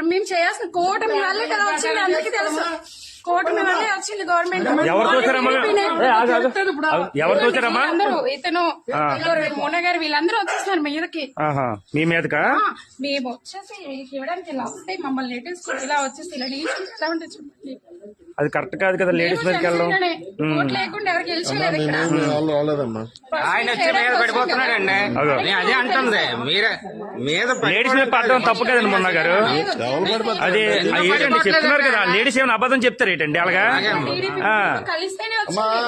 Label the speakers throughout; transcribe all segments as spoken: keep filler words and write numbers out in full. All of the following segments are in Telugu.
Speaker 1: మేము చేయాల్సిన కూటమి వల్లే కదా వచ్చింది, అందరికీ తెలుసు. కూటమి వల్లే వచ్చింది గవర్నమెంట్.
Speaker 2: ఎవరు చూసారమ్మా ఎవరు చూసారమ్మా
Speaker 1: అందరూ ఇతను మోన గారు వీళ్ళందరూ వచ్చేస్తున్నారు మీదకి.
Speaker 2: మీ మీదకా
Speaker 1: మేము వచ్చేసి ఇవ్వడానికి ఇలా వస్తే మమ్మల్ని లేటెస్ట్ ఇలా వచ్చేసి ఇలా నిలిచి ఎలా ఉంటుంది చెప్పండి.
Speaker 2: అది కరెక్ట్ కాదు కదా లేడీస్ మీదకి వెళ్ళడం.
Speaker 1: లేకుండా ఎవరికి గెలిచలేదు ఇక్కడ.
Speaker 3: ఆయన వచ్చి మీద పడిపోతున్నాడండి, అదే అంటుంది. మీరే మీద
Speaker 2: లేడీస్ మీద పడడం తప్పు కదండి మొన్న గారు. అది ఏంటండి చెప్తున్నారు కదా, లేడీస్ ఏమైనా అబద్ధం చెప్తారు ఏంటండి అలాగా?
Speaker 1: కలిస్తేనే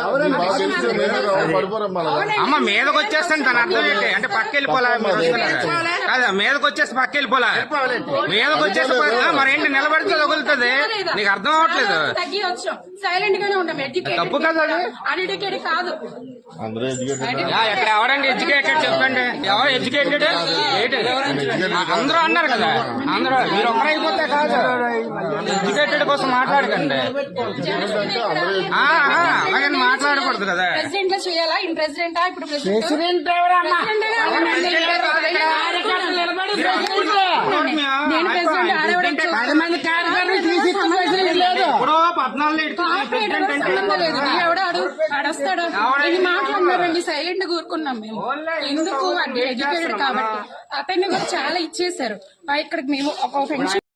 Speaker 3: అమ్మ మీదకి వచ్చేస్తాను తన అర్థం ఏంటి అంటే పక్క వెళ్ళిపోలే కదా, మీదకి వచ్చేస్తే పక్క వెళ్ళిపోలే, మీదకి వచ్చేస్తే మరేంటి నిలబడితే తగులుతుంది, నీకు అర్థం అవ్వట్లేదు.
Speaker 1: సైలెంట్ గానే ఉంటాం.
Speaker 3: తప్పు కదా,
Speaker 1: అన్ఎడ్యుకేటెడ్ కాదు.
Speaker 3: ఇక్కడ ఎవరండి ఎడ్యుకేటెడ్ చెప్పండి, ఎవరు ఎడ్యుకేటెడ్? అందరూ అన్నారు కదా, అందరూ మీరు ఒక్కరు అయిపోతే కాదు, ఎడ్యుకేటెడ్ కోసం మాట్లాడకండి, అలాగే మాట్లాడకూడదు కదా.
Speaker 1: ప్రెసిడెంట్ లో చేయాలా? ఇన్ ప్రెసిడెంటా? ఇప్పుడు
Speaker 4: ప్రెసిడెంట్ పది మంది కార్యకర్తలు తీసి
Speaker 1: ఎవడో అడస్తాడు ఇది మాట్లాడినారండి. సైలెంట్ కూరుకున్నాం మేము. ఎందుకు అంటే ఎడ్యుకేటెడ్ కాబట్టి. అతన్ని కూడా చాలా ఇచ్చేసారు. ఇక్కడికి మేము ఒక పెన్షన్